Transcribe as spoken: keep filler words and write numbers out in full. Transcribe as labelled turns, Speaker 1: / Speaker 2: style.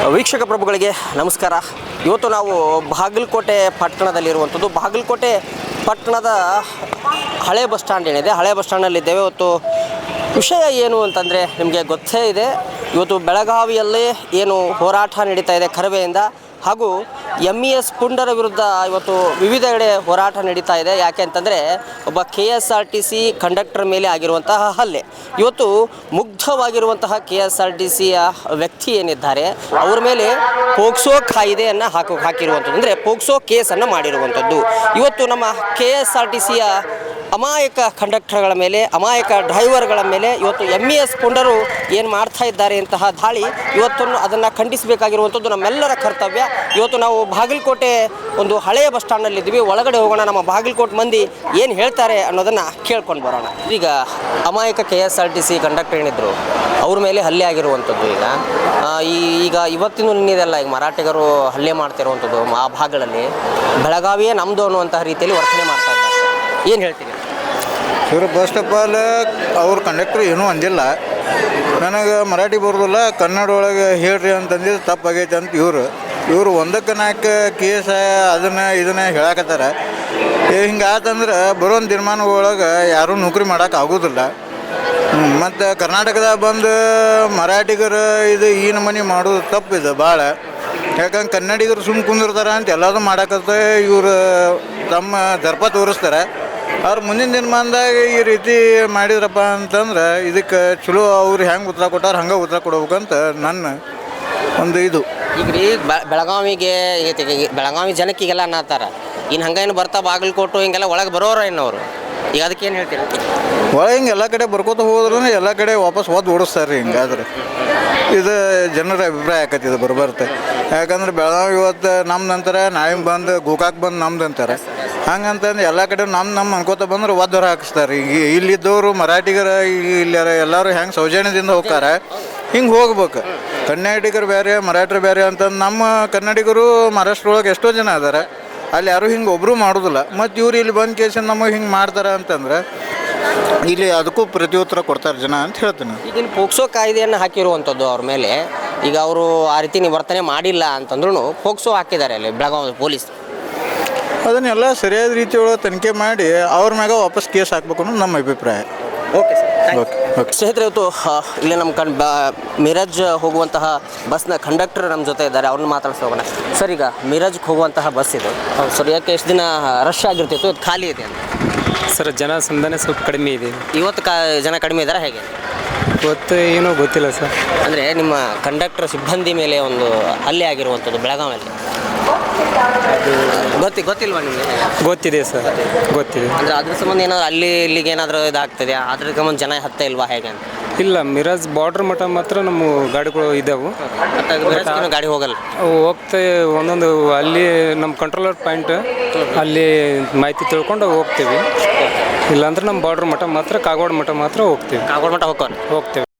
Speaker 1: ವೀಕ್ಷಕ ಪ್ರಭುಗಳಿಗೆ ನಮಸ್ಕಾರ. ಇವತ್ತು ನಾವು ಬಾಗಲಕೋಟೆ ಪಟ್ಟಣದಲ್ಲಿರುವಂಥದ್ದು. ಬಾಗಲಕೋಟೆ ಪಟ್ಟಣದ ಹಳೆ ಬಸ್ ಸ್ಟ್ಯಾಂಡ್ ಏನಿದೆ, ಹಳೆ ಬಸ್ ಸ್ಟ್ಯಾಂಡಲ್ಲಿದ್ದೇವೆ. ಇವತ್ತು ವಿಷಯ ಏನು ಅಂತಂದರೆ ನಿಮಗೆ ಗೊತ್ತೇ ಇದೆ. ಇವತ್ತು ಬೆಳಗಾವಿಯಲ್ಲಿ ಏನು ಹೋರಾಟ ನಡೀತಾ ಇದೆ ಕರವೆಯಿಂದ, ಹಾಗೂ ಎಮ್ ಇ ಎಸ್ ಪುಂಡರ ವಿರುದ್ಧ ಇವತ್ತು ವಿವಿಧ ಕಡೆ ಹೋರಾಟ ನಡೀತಾ ಇದೆ. ಯಾಕೆ ಅಂತಂದರೆ ಒಬ್ಬ K S R T C conductor ಮೇಲೆ ಆಗಿರುವಂತಹ ಹಲ್ಲೆ. ಇವತ್ತು ಮುಗ್ಧವಾಗಿರುವಂತಹ ಕೆ ಎಸ್ ಆರ್ ಟಿ ಸಿಯ ವ್ಯಕ್ತಿ ಏನಿದ್ದಾರೆ ಅವ್ರ ಮೇಲೆ ಪೋಕ್ಸೋ ಕಾಯ್ದೆಯನ್ನು ಹಾಕೋ ಹಾಕಿರುವಂಥದ್ದು, ಅಂದರೆ ಪೋಕ್ಸೋ ಕೇಸನ್ನು ಮಾಡಿರುವಂಥದ್ದು. ಇವತ್ತು ನಮ್ಮ ಕೆ ಎಸ್ ಆರ್ ಟಿ ಸಿಯ ಅಮಾಯಕ ಕಂಡಕ್ಟರ್ಗಳ ಮೇಲೆ, ಅಮಾಯಕ ಡ್ರೈವರ್ಗಳ ಮೇಲೆ ಇವತ್ತು ಎಮ್ ಇ ಎಸ್ ಪುಂಡರು ಏನು ಮಾಡ್ತಾ ಇದ್ದಾರೆ ಇಂತಹ ದಾಳಿ, ಇವತ್ತನ್ನು ಅದನ್ನು ಖಂಡಿಸಬೇಕಾಗಿರುವಂಥದ್ದು ನಮ್ಮೆಲ್ಲರ ಕರ್ತವ್ಯ. ಇವತ್ತು ನಾವು ಬಾಗಲಕೋಟೆ ಒಂದು ಹಳೆಯ ಬಸ್ ಸ್ಟ್ಯಾಂಡಲ್ಲಿದ್ದೀವಿ. ಒಳಗಡೆ ಹೋಗೋಣ, ನಮ್ಮ ಬಾಗಲಕೋಟೆ ಮಂದಿ ಏನು ಹೇಳ್ತಾರೆ ಅನ್ನೋದನ್ನು ಕೇಳ್ಕೊಂಡು ಬರೋಣ. ಈಗ ಅಮಾಯಕ K S R T C conductor ಏನಿದ್ರು ಅವ್ರ ಮೇಲೆ ಹಲ್ಲೆ ಆಗಿರುವಂಥದ್ದು. ಈಗ ಈ ಈಗ ಇವತ್ತಿನ ನಿನ್ನೆದೆಲ್ಲ ಈಗ ಮರಾಠಿಗರು ಹಲ್ಲೆ ಮಾಡ್ತಿರುವಂಥದ್ದು ಆ ಭಾಗಗಳಲ್ಲಿ ಬೆಳಗಾವಿಯೇ ನಮ್ಮದು ಅನ್ನುವಂತಹ ರೀತಿಯಲ್ಲಿ ವರ್ತನೆ ಮಾಡ್ತಾ ಇದ್ದಾರೆ. ಏನು ಹೇಳ್ತೀನಿ
Speaker 2: ಇವರು ಫಸ್ಟ್ ಆಫ್ ಆಲ್ ಅವ್ರ ಕಂಡಕ್ಟ್ರ್ ಏನೂ ಅಂದಿಲ್ಲ. ನನಗೆ ಮರಾಠಿ ಬರೋದಿಲ್ಲ, ಕನ್ನಡ ಒಳಗೆ ಹೇಳ್ರಿ ಅಂತಂದಿದ್ದು ತಪ್ಪಾಗೈತೆ ಅಂತ ಇವರು ಇವರು ಒಂದಕ್ಕೆ ನಾಲ್ಕು ಕೇಸ ಅದನ್ನು ಇದನ್ನು ಹೇಳಕತ್ತಾರೆ. ಹಿಂಗೆ ಆತಂದ್ರೆ ಬರೋ ದಿನಮಾನ ಒಳಗೆ ಯಾರೂ ನೌಕರಿ ಮಾಡೋಕೆ ಆಗೋದಿಲ್ಲ. ಮತ್ತು ಕರ್ನಾಟಕದಾಗ ಬಂದು ಮರಾಠಿಗರು ಇದು ಈ ನಮೂನಿ ಮಾಡೋದು ತಪ್ಪಿದೆ ಭಾಳ. ಯಾಕಂದ್ರೆ ಕನ್ನಡಿಗರು ಸುಮ್ಮ ಕುಂದಿರ್ತಾರೆ ಅಂತ ಎಲ್ಲದೂ ಮಾಡಕತ್ತ ಇವರು ತಮ್ಮ ದರ್ಪ ತೋರಿಸ್ತಾರೆ. ಅವ್ರು ಮುಂದಿನ ದಿನಮಾನದಾಗ ಈ ರೀತಿ ಮಾಡಿದ್ರಪ್ಪ ಅಂತಂದ್ರೆ ಇದಕ್ಕೆ ಚಲೋ ಅವ್ರು ಹೆಂಗೆ ಉತ್ತರ ಕೊಟ್ಟಾರ ಹಂಗೆ ಉತ್ತರ ಕೊಡ್ಬೇಕಂತ ನನ್ನ ಒಂದು ಇದು.
Speaker 1: ಈಗ ರೀ ಬೆಳಗಾವಿಗೆ ಬೆಳಗಾವಿ ಜನಕ್ಕಿಗೆಲ್ಲ ಅನ್ನತ್ತಾರ, ಇನ್ನು ಹಂಗೇನು ಬರ್ತಾ ಬಾಗಲಕೋಟು ಹಿಂಗೆಲ್ಲ ಒಳಗೆ ಬರೋರ ಏನವರು, ಈಗ ಅದಕ್ಕೆ ಏನು ಹೇಳ್ತೀರಿ?
Speaker 2: ಒಳಗೆ ಹಿಂಗೆ ಎಲ್ಲ ಕಡೆ ಬರ್ಕೋತ ಹೋದ್ರೂ ಎಲ್ಲ ಕಡೆ ವಾಪಸ್ ಓದ್ ಓಡಿಸ್ತಾರೆ ರೀ. ಹಿಂಗಾದ್ರೆ ಇದು ಜನರ ಅಭಿಪ್ರಾಯ ಆಕತಿ ಇದು ಬರಬರುತ್ತೆ. ಯಾಕಂದ್ರೆ ಬೆಳಗಾವಿ ಇವತ್ತು ನಮ್ದು ಅಂತಾರೆ, ನಾಳೆ ಬಂದು ಗೋಕಾಕ್ ಬಂದು ನಮ್ದು ಅಂತಾರೆ. ಹಂಗಂತಂದು ಎಲ್ಲ ಕಡೆ ನಮ್ಮ ನಮ್ಮ ಅನ್ಕೋತ ಬಂದ್ರೆ ಒದ್ದರ ಹಾಕಿಸ್ತಾರೆ. ಈಗ ಇಲ್ಲಿದ್ದವರು ಮರಾಠಿಗರ ಇಲ್ಲಿ ಎಲ್ಲರೂ ಹೆಂಗೆ ಸೌಜನ್ಯದಿಂದ ಹೋಗ್ತಾರೆ ಹಿಂಗೆ ಹೋಗ್ಬೇಕು. ಕನ್ನಡಿಗರು ಬೇರೆ ಮರಾಠರು ಬೇರೆ ಅಂತಂದು ನಮ್ಮ ಕನ್ನಡಿಗರು ಮಹಾರಾಷ್ಟ್ರ ಒಳಗೆ ಎಷ್ಟೋ ಜನ ಅದಾರೆ, ಅಲ್ಲಿ ಯಾರೂ ಹಿಂಗೆ ಒಬ್ಬರು ಮಾಡೋದಿಲ್ಲ. ಮತ್ತು ಇವ್ರು ಇಲ್ಲಿ ಬಂದು ಕೇಸಿಂದ ನಮಗೆ ಹಿಂಗೆ ಮಾಡ್ತಾರೆ ಅಂತಂದ್ರೆ ಇಲ್ಲಿ ಅದಕ್ಕೂ ಪ್ರತ್ಯುತ್ತರ ಕೊಡ್ತಾರೆ ಜನ ಅಂತ ಹೇಳ್ತೀನಿ.
Speaker 1: ಈಗಿನ ಪೋಕ್ಸೋ ಕಾಯ್ದೆಯನ್ನು ಹಾಕಿರುವಂಥದ್ದು ಅವ್ರ ಮೇಲೆ. ಈಗ ಅವರು ಆ ರೀತಿ ವರ್ತನೆ ಮಾಡಿಲ್ಲ ಅಂತಂದ್ರೂ ಪೋಕ್ಸೋ ಹಾಕಿದ್ದಾರೆ ಅಲ್ಲಿ ಬೆಳಗಾವಿ ಪೊಲೀಸ್.
Speaker 2: ಅದನ್ನೆಲ್ಲ ಸರಿಯಾದ ರೀತಿಯೊಳಗೆ ತನಿಖೆ ಮಾಡಿ ಅವ್ರ ಮ್ಯಾಗ ವಾಪಸ್ ಕೇಸ್ ಹಾಕ್ಬೇಕು ಅನ್ನೋದು ನಮ್ಮ ಅಭಿಪ್ರಾಯ.
Speaker 1: ಓಕೆ ಸರ್,
Speaker 2: ಓಕೆ ಓಕೆ
Speaker 1: ಸ್ನೇಹಿತರೆ, ಇವತ್ತು ಇಲ್ಲಿ ನಮ್ಮ ಕಣ್ ಬ ಮಿರಾಜ್ ಹೋಗುವಂತಹ ಬಸ್ನ ಕಂಡಕ್ಟರ್ ನಮ್ಮ ಜೊತೆ ಇದ್ದಾರೆ, ಅವ್ರನ್ನ ಮಾತಾಡ್ಸಿ ಹೋಗೋಣ. ಸರ್, ಈಗ ಮಿರಾಜ್ಗೆ ಹೋಗುವಂತಹ ಬಸ್ ಇದು ಸರ್, ಯಾಕೆ ಎಷ್ಟು ದಿನ ರಶ್ ಆಗಿರ್ತಿತ್ತು, ಅದು ಖಾಲಿ ಇದೆ ಅಂತ?
Speaker 3: ಸರ್, ಜನ ಸಂದನೆ ಸ್ವಲ್ಪ ಕಡಿಮೆ ಇದೆ
Speaker 1: ಇವತ್ತು ಕಾ ಜನ ಕಡಿಮೆ ಇದ್ದಾರೆ, ಹೇಗೆ
Speaker 3: ಇವತ್ತು ಏನೋ ಗೊತ್ತಿಲ್ಲ ಸರ್.
Speaker 1: ಅಂದರೆ ನಿಮ್ಮ ಕಂಡಕ್ಟರ್ ಸಿಬ್ಬಂದಿ ಮೇಲೆ ಒಂದು ಹಲ್ಲೆ ಆಗಿರುವಂಥದ್ದು ಬೆಳಗಾವಿಯಲ್ಲಿ, ಗೊತ್ತಿ ಗೊತ್ತಿಲ್ವಾ ನಿಮಗೆ?
Speaker 3: ಗೊತ್ತಿದೆ ಸರ್, ಗೊತ್ತಿದೆ.
Speaker 1: ಅಂದರೆ ಅದ್ರ ಸಂಬಂಧ ಏನಾದರೂ ಅಲ್ಲಿ ಇಲ್ಲಿಗೆ ಏನಾದರೂ ಇದಾಗ್ತದೆ, ಅದ್ರ ಸಂಬಂಧ ಜನ ಹತ್ತ ಇಲ್ವಾ ಹೇಗೆ ಅಂತ?
Speaker 3: ಇಲ್ಲ, ಮಿರಾಜ್ ಬಾರ್ಡ್ರ್ ಮಟ್ಟ ಮಾತ್ರ ನಮ್ಮ ಗಾಡಿಗಳು ಇದ್ದಾವೆ.
Speaker 1: ಮತ್ತು ಗಾಡಿ ಹೋಗಲ್ಲ,
Speaker 3: ಹೋಗ್ತಾ ಒಂದೊಂದು ಅಲ್ಲಿ ನಮ್ಮ ಕಂಟ್ರೋಲರ್ ಪಾಯಿಂಟ್ ಅಲ್ಲಿ ಮಾಹಿತಿ ತಿಳ್ಕೊಂಡು ಹೋಗ್ತೀವಿ. ಇಲ್ಲಾಂದ್ರೆ ನಮ್ಮ ಬಾರ್ಡ್ರ್ ಮಟ್ಟ ಮಾತ್ರ ಕಾಗವಾಡ ಮಟ್ಟ ಮಾತ್ರ ಹೋಗ್ತೀವಿ.
Speaker 1: ಕಾಗವಾಡ ಮಟ್ಟ ಹೋಗ್ಕೊಂಡು
Speaker 3: ಹೋಗ್ತೇವೆ